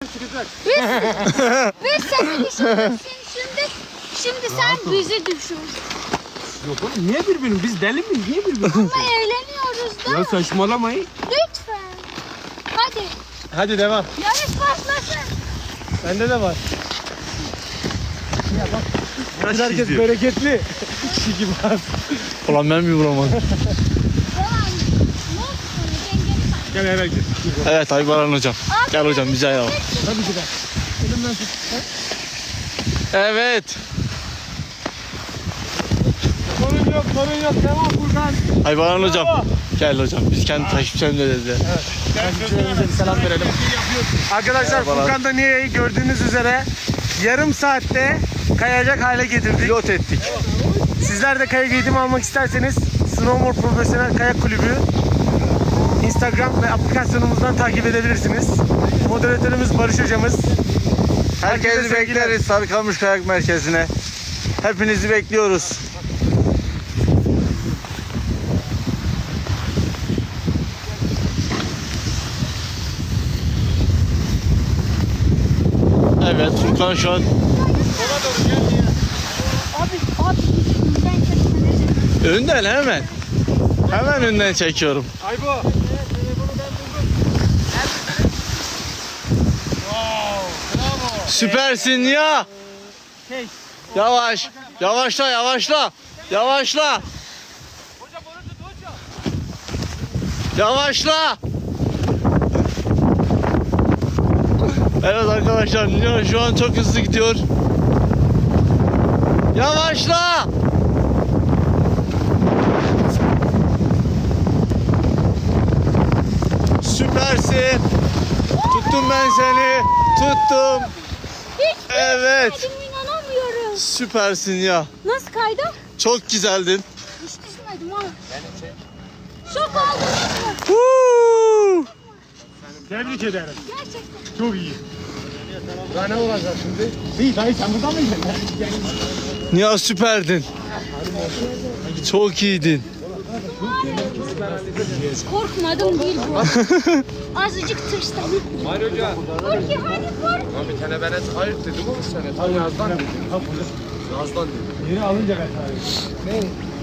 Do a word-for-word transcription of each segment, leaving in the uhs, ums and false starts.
Biz, biz seni düşünürsün şimdi. Şimdi sen bizi düşün. Yok oğlum niye birbirini? Biz deli miyiz? Niye birbirini? Ama eğleniyoruz da. Ya saçmalamayın. Lütfen. Hadi. Hadi devam. Yarış başlasın. Bende de var. Ya bak. Herkes bereketli. Kişi gibi az. Ulan ben mi vuramadım? Devam. Ne oldu sonra? Dengeni bak. Gel eve git. Evet Aybaran hocam. Gel hocam bize ayağım. Tabii ki de. Elimden tut. Evet. Sorun yok, sorun yok. Devam Furkan. Aybaran hocam. Gel hocam biz kendi takipçilerimize dedi. Takipçilerimize bir selam verelim. Arkadaşlar Furkan da Niye'yi gördüğünüz üzere yarım saatte kayacak hale getirdik. Pilot ettik. Sizler de kayak eğitimi almak isterseniz Snowboard Profesyonel Kayak Kulübü Instagram ve aplikasyonumuzdan takip edebilirsiniz. Moderatörümüz Barış hocamız. Herkesi sevgiler. bekleriz Sarıkamış Kayak Merkezi'ne. Hepinizi bekliyoruz. Evet Furkan şu an Abi, abi. Ben çekmeyeceğim. önden hemen. Hemen önden çekiyorum. Aybo. Süpersin ya. Yavaş. Yavaşla yavaşla. Yavaşla. Yavaşla. Evet arkadaşlar Nino şu an çok hızlı gidiyor. Yavaşla. Süpersin. Tuttum ben seni. Tuttum. Hiç Evet. düşmedim, inanamıyorum. Süpersin ya. Nasıl kaydı? Çok güzeldin. Hiç düşmedim ha. Şok oldunuz mu? Huu. Tebrik ederim. Gerçekten. Çok iyi. Daha ne olacak şimdi? İyi dayı sen burada mıydın? Ya süperdin. Çok iyiydin. Hiç korkmadım değil bu. Azıcık tırstım. Hayır hoca. Korki hadi kork. Bir tane ben et hayır dedim ama sen et. Yazdan dedim. Yazdan dedim. Yeni alınca ben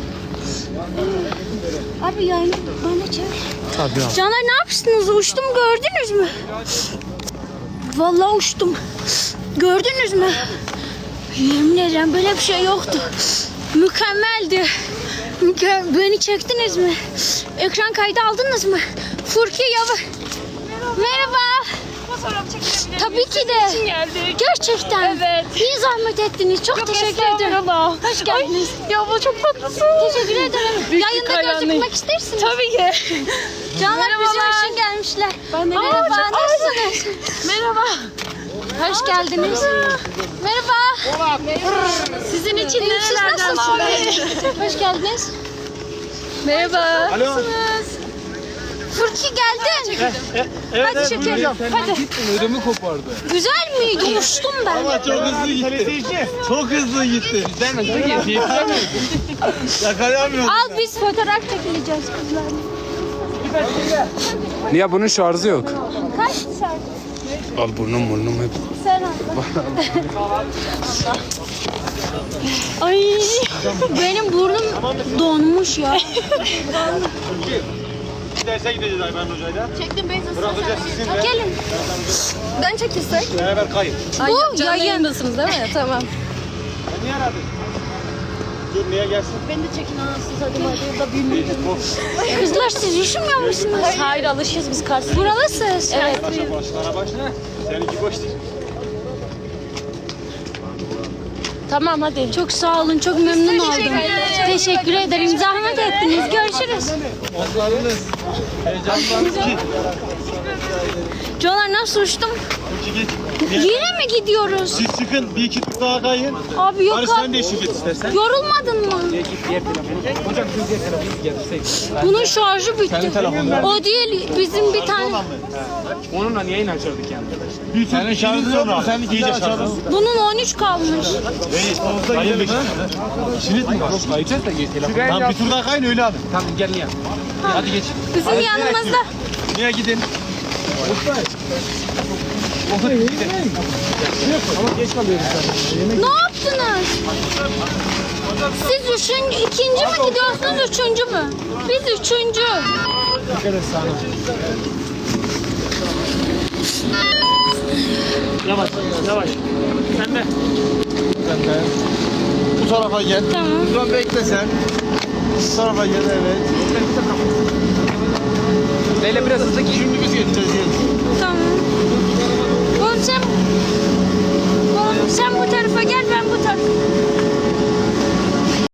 Abi yani bana çevir. Tabii abi. Caner ne yapmışsınız? Uçtum gördünüz mü? Vallahi uçtum. Gördünüz mü? Yemin ederim böyle bir şey yoktu. Mükemmeldi. Müke Beni çektiniz mi? Ekran kaydı aldınız mı? Furki yavaş. Merhaba. Fotoğraf çekilebilir Tabii ki de. için geldik. Gerçekten. Evet. İyi zahmet ettiniz. Çok teşekkür ederim. Estağfurullah. Hoş geldiniz. Ay, ya bu çok tatlısın. Teşekkür ederim. Büyük bir Yayında hayranıyım. gözükmek istersiniz. Tabii ki. Canlar bizim Merhabalar. için gelmişler. Ben de Merhaba, geldim. nasılsınız? Merhaba. Hoş geldiniz. Merhaba. Sizin için İyi, siz nerelerden nasılsınız? Hoş geldiniz. Merhaba. Alo. Furki geldin. Hadi çekelim. Hadi. Ödümü kopardı. Güzel miydi? Uçtum ben. Ama çok hızlı gitti. Çok hızlı gitti. Bizden mi? Bizden mi? Yakalayamıyorum. Al biz fotoğraf çekileceğiz kızlarla. Niye bunun şarjı yok? Kaç şarkı? Al burnum burnum hep. Sen al. Ay benim burnum donmuş ya. Derse gideceğiz Ayben Hoca'yla. Çektim Beyza. Bırakacağız sizinle. Gelin. Ben çekilsek. Beraber kayın. Bu yayın. yayındasınız değil mi? Tamam. Sen niye aradın? Dur niye gelsin? Beni de çekin anasınız hadi hadi. Da büyümüş. Kızlar siz üşümüyor musunuz? Hayır alışıyoruz biz Kars'ta. Buralısınız. Evet. Başla başlara başla. Seninki boş değil. Tamam hadi. Çok sağ olun, çok memnun oldum. ederim. Teşekkür ederim. Zahmet ettiniz. Görüşürüz. Onlarınız heyecanlandı. Caner nasıl uçtum? İki git. Yine mi gidiyoruz? Siz çıkın bir iki tur daha kayın. Abi yok Barış sen abi. de eşlik et istersen. Yorulmadın mı? Hocam siz diğer telefonu getirseydik. Bunun şarjı bitti. O değil, bizim bir tane. Onunla yayın açardık yani. Bir Senin şarjın yok mu? Sen iyice şarjın. Bunun on üç kalmış. Kayın bir Şirit mi var? Kayacağız da geç telefonu. Tamam bir tur daha kayın öyle abi. Tamam gel ya. Hadi geç. Bizim yanımızda. Niye gidin? Ama geç kalıyoruz zaten. Yemek Ne yaptınız? Siz üçüncü, ikinci mi gidiyorsunuz, üçüncü mü? Biz üçüncü. dikkat et sana. Yavaş, yavaş. Sen de. Sen de. Bu tarafa gel. Tamam. Buradan bekle sen. Bu tarafa gel, evet. Leyla biraz hızlı giyin.